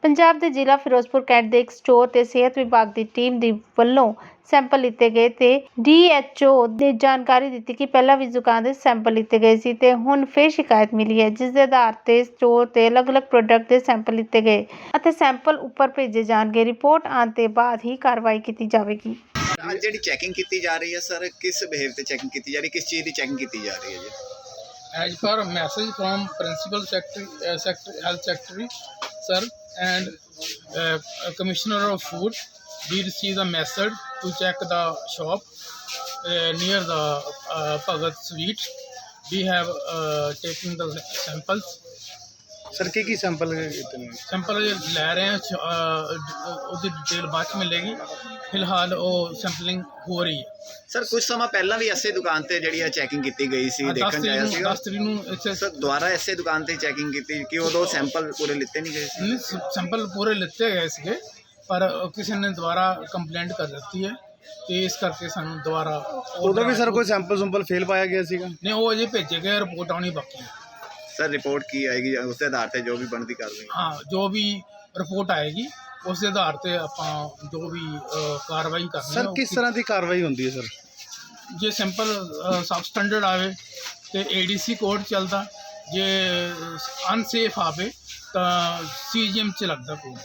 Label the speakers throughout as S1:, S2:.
S1: ਪੰਜਾਬ ਦੇ ਜ਼ਿਲ੍ਹਾ ਫਿਰੋਜ਼ਪੁਰ ਕੈਂਟ ਦੇ ਇੱਕ ਸਟੋਰ ਤੇ ਸਿਹਤ ਵਿਭਾਗ ਦੀ ਟੀਮ ਦੀ ਵੱਲੋਂ ਸੈਂਪਲ ਲਿੱਤੇ ਗਏ ਤੇ ਡੀਐਚਓ ਨੇ ਜਾਣਕਾਰੀ ਦਿੱਤੀ ਕਿ ਪਹਿਲਾਂ ਵੀ ਜ਼ੁਕਾਮ ਦੇ ਸੈਂਪਲ ਲਿੱਤੇ ਗਏ ਸੀ ਤੇ ਹੁਣ ਫਿਰ ਸ਼ਿਕਾਇਤ ਮਿਲੀ ਹੈ, ਜਿਸ ਦੇ ਆਧਾਰ ਤੇ ਸਟੋਰ ਤੇ ਅਲੱਗ-ਅਲੱਗ ਪ੍ਰੋਡਕਟ ਦੇ ਸੈਂਪਲ ਲਿੱਤੇ ਗਏ ਅਤੇ ਸੈਂਪਲ ਉੱਪਰ ਭੇਜੇ ਜਾਣਗੇ। ਰਿਪੋਰਟ ਆਉਣ ਤੇ ਬਾਅਦ ਹੀ ਕਾਰਵਾਈ ਕੀਤੀ ਜਾਵੇਗੀ।
S2: ਅੱਜ ਜਿਹੜੀ ਚੈਕਿੰਗ ਕੀਤੀ ਜਾ ਰਹੀ ਹੈ ਸਰ, ਕਿਸ ਬਿਹੇਵ ਤੇ ਚੈਕਿੰਗ ਕੀਤੀ ਜਾ ਰਹੀ ਹੈ, ਕਿਸ ਚੀਜ਼ ਦੀ ਚੈਕਿੰਗ ਕੀਤੀ ਜਾ ਰਹੀ ਹੈ ਜੀ?
S3: As per message from Principal Health Secretary, sir, and Commissioner of Food, we received a message to check the shop near the Bhagat Sweet. We have taken the samples.
S4: Sir की sample कितने
S3: sample ले रहे हैं, उसकी detail बाद में मिलेगी। फिलहाल वो सैंपलिंग हो रही है।
S2: ਸਰ ਕੁਝ ਸਮਾਂ ਪਹਿਲਾਂ ਵੀ ਐਸੇ ਦੁਕਾਨ ਤੇ ਜਿਹੜੀ ਚੈਕਿੰਗ ਕੀਤੀ ਗਈ ਸੀ, ਦੇਖਣ ਜਾਇਆ ਸੀ
S3: 10 ਤਰੀਕ ਨੂੰ ਇੱਥੇ
S2: ਸਰ ਦੁਬਾਰਾ ਐਸੇ ਦੁਕਾਨ ਤੇ ਚੈਕਿੰਗ ਕੀਤੀ ਕਿ ਉਦੋਂ ਸੈਂਪਲ ਪੂਰੇ ਲਿੱਤੇ ਨਹੀਂ ਗਏ ਸੀ?
S3: ਸੈਂਪਲ ਪੂਰੇ ਲਿੱਤੇ ਗਏ ਸੀਗੇ, ਪਰ ਕਿਸੇ ਨੇ ਦੁਬਾਰਾ ਕੰਪਲੇਂਟ ਕਰ ਦਿੱਤੀ ਹੈ ਤੇ ਇਸ ਕਰਕੇ ਸਾਨੂੰ ਦੁਬਾਰਾ
S4: ਉਦੋਂ ਵੀ ਸਰ ਕੋਈ ਸੈਂਪਲ ਫੇਲ ਪਾਇਆ ਗਿਆ ਸੀਗਾ?
S3: ਨਹੀਂ, ਉਹ ਅਜੇ ਭੇਜੇ ਗਏ, ਰਿਪੋਰਟ ਆਉਣੀ ਬਾਕੀ ਹੈ।
S2: ਸਰ ਰਿਪੋਰਟ ਕੀ ਆਏਗੀ, ਉਸ ਦੇ ਆਧਾਰ ਤੇ ਜੋ ਵੀ ਬਣਦੀ ਕਾਰਵਾਈ?
S3: ਹਾਂ, ਜੋ ਵੀ ਰਿਪੋर्ट ਆਏਗੀ ਉਸ ਦੇ ਆਧਾਰ ਤੇ ਆਪਾਂ ਜੋ ਵੀ ਕਾਰਵਾਈ ਕਰਨੀ ਹੈ।
S4: ਸਰ ਕਿਸ ਤਰ੍ਹਾਂ ਦੀ ਕਾਰਵਾਈ ਹੁੰਦੀ ਹੈ ਸਰ?
S3: ਜੇ ਸਿੰਪਲ ਸਬ ਸਟੈਂਡਰਡ ਆਵੇ ਤੇ ਏਡੀਸੀ ਕੋਡ ਚੱਲਦਾ, ਜੇ ਅਨਸੇਫ ਆਵੇ ਤਾਂ ਸੀਜੀਐਮ ਚ ਲੱਗਦਾ ਕੋਡ।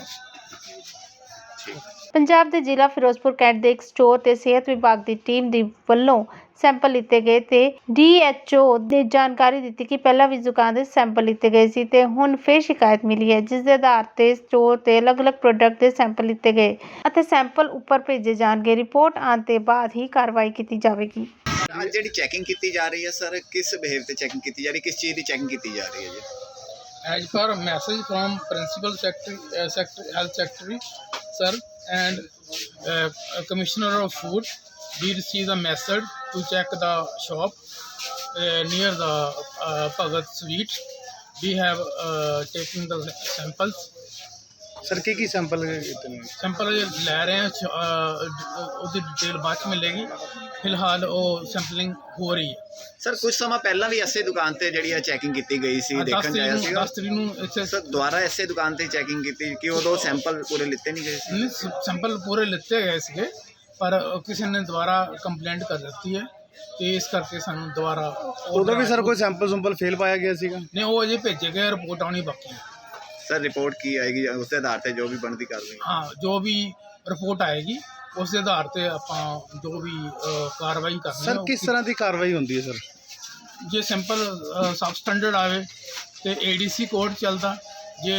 S1: ਪੰਜਾਬ ਦੇ ਜ਼ਿਲ੍ਹਾ ਫਿਰੋਜ਼ਪੁਰ ਕੈਂਟ ਦੇ ਇੱਕ ਸਟੋਰ ਤੇ ਸਿਹਤ ਵਿਭਾਗ ਦੀ ਟੀਮ ਦੀ ਵੱਲੋਂ ਸੈਂਪਲ ਲਿੱਤੇ ਗਏ ਤੇ ਡੀਐਚਓ ਨੇ ਜਾਣਕਾਰੀ ਦਿੱਤੀ ਕਿ ਪਹਿਲਾਂ ਵੀ ਜ਼ੁਕਾਮ ਦੇ ਸੈਂਪਲ ਲਿੱਤੇ ਗਏ ਸੀ ਤੇ ਹੁਣ ਫਿਰ ਸ਼ਿਕਾਇਤ ਮਿਲੀ ਹੈ, ਜਿਸ ਦੇ ਆਧਾਰ ਤੇ ਸਟੋਰ ਤੇ ਅਲੱਗ-ਅਲੱਗ ਪ੍ਰੋਡਕਟ ਦੇ ਸੈਂਪਲ ਲਿੱਤੇ ਗਏ ਅਤੇ ਸੈਂਪਲ ਉੱਪਰ ਭੇਜੇ ਜਾਣਗੇ। ਰਿਪੋਰਟ ਆਉਣ ਤੇ ਬਾਅਦ ਹੀ ਕਾਰਵਾਈ ਕੀਤੀ ਜਾਵੇਗੀ।
S2: ਅੱਜ ਜਿਹੜੀ ਚੈਕਿੰਗ ਕੀਤੀ ਜਾ ਰਹੀ ਹੈ ਸਰ, ਕਿਸ ਬਿਹੇਵ ਤੇ ਚੈਕਿੰਗ ਕੀਤੀ ਜਾ ਰਹੀ ਹੈ, ਕਿਸ ਚੀਜ਼ ਦੀ ਚੈਕਿੰਗ ਕੀਤੀ ਜਾ ਰਹੀ ਹੈ ਜੀ?
S3: As per message from Principal Health Secretary, sir, and Commissioner of Food, we received a message to check the shop near the Bhagat Sweet. We have taken the samples.
S4: Sir की sample कितने
S3: sample ले रहे हैं, उसकी detail बाद में मिलेगी। फिलहाल वो सैंपलिंग हो रही है।
S2: ਸਰ ਕੁਝ ਸਮਾਂ ਪਹਿਲਾਂ ਵੀ ਐਸੇ ਦੁਕਾਨ ਤੇ ਜਿਹੜੀ ਚੈਕਿੰਗ ਕੀਤੀ ਗਈ ਸੀ, ਦੇਖਣ ਜਾਇਆ ਸੀ
S3: 10 ਤਰੀਕ ਨੂੰ ਇੱਥੇ
S2: ਸਰ ਦੁਬਾਰਾ ਐਸੇ ਦੁਕਾਨ ਤੇ ਚੈਕਿੰਗ ਕੀਤੀ ਕਿ ਉਦੋਂ ਸੈਂਪਲ ਪੂਰੇ ਲਿੱਤੇ ਨਹੀਂ ਗਏ ਸੀ?
S3: ਸੈਂਪਲ ਪੂਰੇ ਲਿੱਤੇ ਗਏ ਸੀਗੇ, ਪਰ ਕਿਸੇ ਨੇ ਦੁਬਾਰਾ ਕੰਪਲੇਂਟ ਕਰ ਦਿੱਤੀ ਹੈ ਤੇ ਇਸ ਕਰਕੇ ਸਾਨੂੰ ਦੁਬਾਰਾ
S4: ਉਦੋਂ ਵੀ ਸਰ ਕੋਈ ਸੈਂਪਲ ਫੇਲ ਪਾਇਆ ਗਿਆ ਸੀਗਾ?
S3: ਨਹੀਂ, ਉਹ ਅਜੇ ਭੇਜੇ ਗਏ, ਰਿਪੋਰਟ ਆਉਣੀ ਬਾਕੀ ਹੈ।
S2: ਸਰ ਰਿਪੋਰਟ ਕੀ ਆਏਗੀ, ਉਸ ਦੇ ਆਧਾਰ ਤੇ ਜੋ ਵੀ ਬਣਦੀ ਕਾਰਵਾਈ?
S3: ਹਾਂ, ਜੋ ਵੀ ਰਿਪੋਰਟ ਆਏਗੀ ਉਸ ਦੇ ਆਧਾਰ ਤੇ ਆਪਾਂ ਜੋ ਵੀ ਕਾਰਵਾਈ ਕਰਨੀ ਹੈ।
S4: ਸਰ ਕਿਸ ਤਰ੍ਹਾਂ ਦੀ ਕਾਰਵਾਈ ਹੁੰਦੀ ਹੈ ਸਰ?
S3: ਜੇ ਸਿੰਪਲ ਸਬ ਸਟੈਂਡਰਡ ਆਵੇ ਤੇ ਏਡੀਸੀ ਕੋਡ ਚੱਲਦਾ, ਜੇ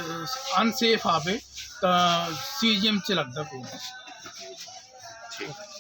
S3: ਅਨਸੇਫ ਆਵੇ ਤਾਂ ਸੀਜੀਐਮ ਚ ਲੱਗਦਾ ਕੋਡ।